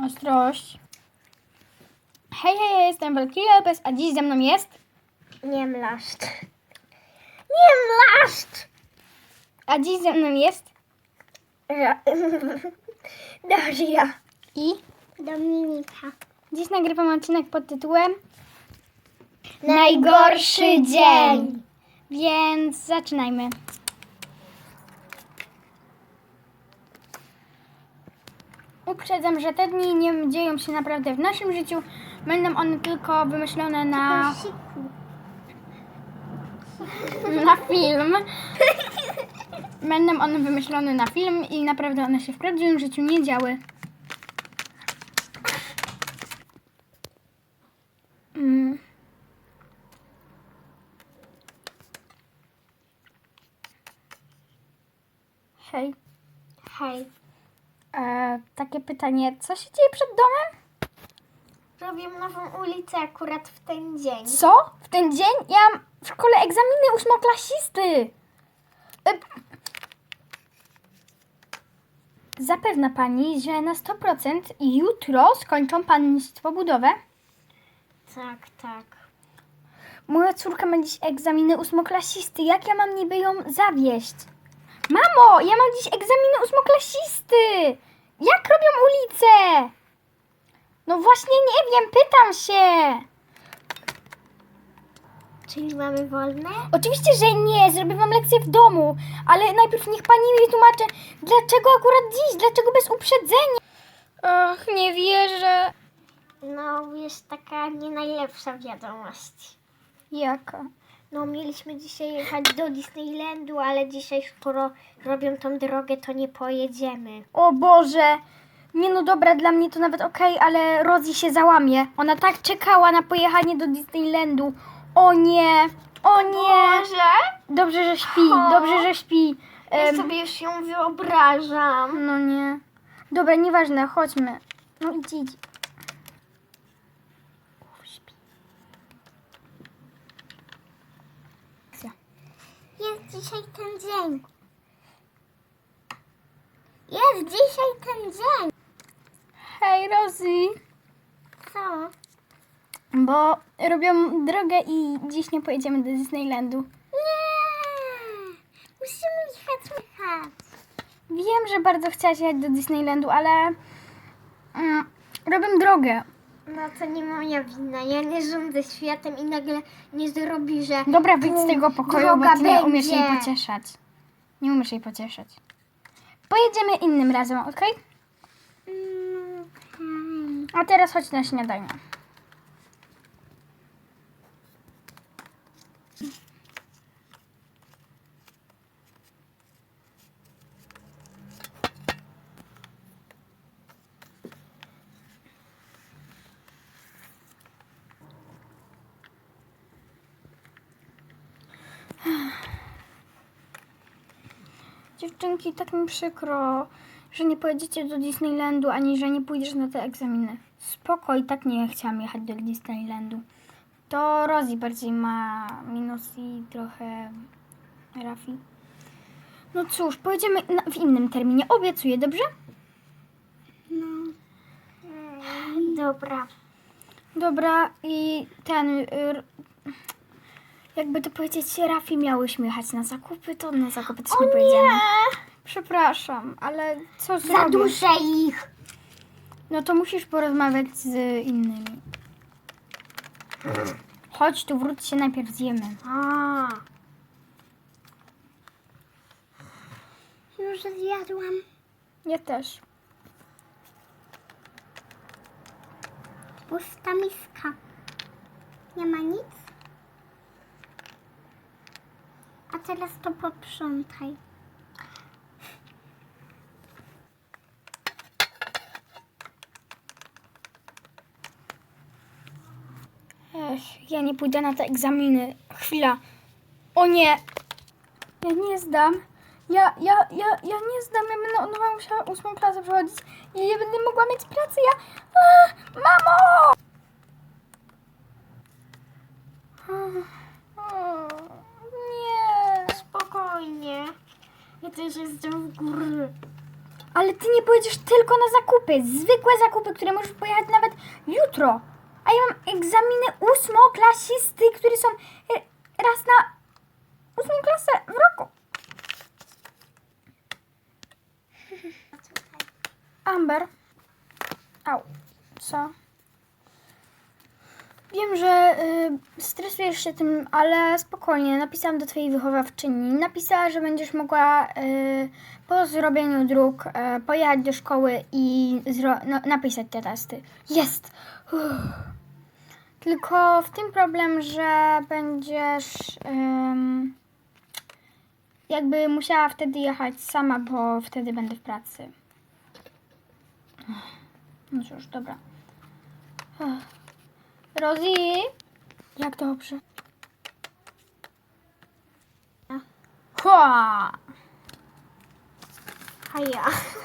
ostrość. Hej, ja jestem Wielki Lepes, a dziś ze mną jest... Niemlaszcz. Niemlaszcz! A dziś ze mną jest... Daria. I... Dominika. Dziś nagrywam odcinek pod tytułem... Najgorszy dzień. Więc zaczynajmy. Uprzedzam, że te dni nie dzieją się naprawdę w naszym życiu. Będą one tylko wymyślone na film. Będą one wymyślone na film i naprawdę one się w prawdziwym życiu nie działy. Hej. Hej. Takie pytanie, co się dzieje przed domem? Robię nową ulicę akurat w ten dzień. Co? W ten dzień? Ja mam w szkole egzaminy ósmoklasisty. Zapewna pani, że na 100% jutro skończą państwo budowę? Tak. Moja córka ma dziś egzaminy ósmoklasisty. Jak ja mam niby ją zawieść? Mamo, ja mam dziś egzaminy ósmoklasisty. Jak robią ulicę? No właśnie nie wiem, pytam się. Czyli mamy wolne? Oczywiście, że nie. Zrobię wam lekcję w domu. Ale najpierw niech pani mi tłumaczy, dlaczego akurat dziś? Dlaczego bez uprzedzenia? Och, nie wierzę. No, jest taka nie najlepsza wiadomość. Jaka? No, mieliśmy dzisiaj jechać do Disneylandu, ale dzisiaj, skoro robią tą drogę, to nie pojedziemy. O Boże. Nie no dobra, dla mnie to nawet okej, ale Rosie się załamie. Ona tak czekała na pojechanie do Disneylandu. O nie. O nie. Może? Dobrze, że śpi. O. Dobrze, że śpi. Ja sobie już ją wyobrażam. No nie. Dobra, nieważne, chodźmy. No idź. Śpi. Jest dzisiaj ten dzień. Jest dzisiaj ten dzień. Hej, Rosie. Co? Bo robią drogę i dziś nie pojedziemy do Disneylandu. Nie! Musimy jechać. Wiem, że bardzo chciałaś jechać do Disneylandu, ale robią drogę. No to nie moja wina. Ja nie rządzę światem i nagle nie zrobi, że... Dobra, wyjdź z tego pokoju, droga bo ty nie umiesz będzie. jej pocieszać. Nie umiesz jej pocieszać. Pojedziemy innym razem, okej? A teraz chodź na śniadanie. Dziewczynki, tak mi przykro, że nie pojedziecie do Disneylandu, ani że nie pójdziesz na te egzaminy. Spoko, i tak nie chciałam jechać do Disneylandu. To Rosie bardziej ma minus i trochę Rafi. No cóż, pojedziemy w innym terminie, obiecuję, dobrze? Dobra. Dobra, i jakby to powiedzieć, Rafi miałyśmy jechać na zakupy, to na zakupy też nie pojedziemy. Przepraszam, ale co Za zrobić? duże ich. No to musisz porozmawiać z innymi. Chodź tu, wróć się, najpierw zjemy. Już zjadłam. Ja też. Pusta miska. Nie ma nic? A teraz to posprzątaj. Ja nie pójdę na te egzaminy. Chwila. O nie. Ja nie zdam. Ja nie zdam. Ja będę musiała 8. klasę przechodzić i nie będę mogła mieć pracy. Mamo! Nie. Spokojnie. Ja też jestem w górze. Ale ty nie pojedziesz tylko na zakupy. Zwykłe zakupy, które możesz pojechać nawet jutro. A ja mam egzaminy ósmoklasisty, które są raz na 8 klasę w roku. Amber. Au. Co? Wiem, że stresujesz się tym, ale spokojnie. Napisałam do twojej wychowawczyni. Napisała, że będziesz mogła po zrobieniu dróg pojechać do szkoły i napisać te testy. Jest! Tylko w tym problem, że będziesz jakby musiała wtedy jechać sama, bo wtedy będę w pracy. No cóż, dobra. Rosie? Jak dobrze. Hua! A ja.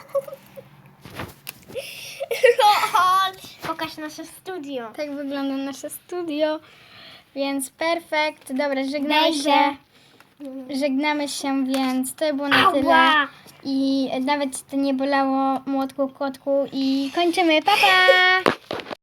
Pokaż nasze studio. Tak wygląda nasze studio, więc perfekt. Dobra, żegnamy Będzie. się. Żegnamy się, więc to było na tyle. Ała! I nawet ci to nie bolało, młotku, kotku. I kończymy. Pa, pa!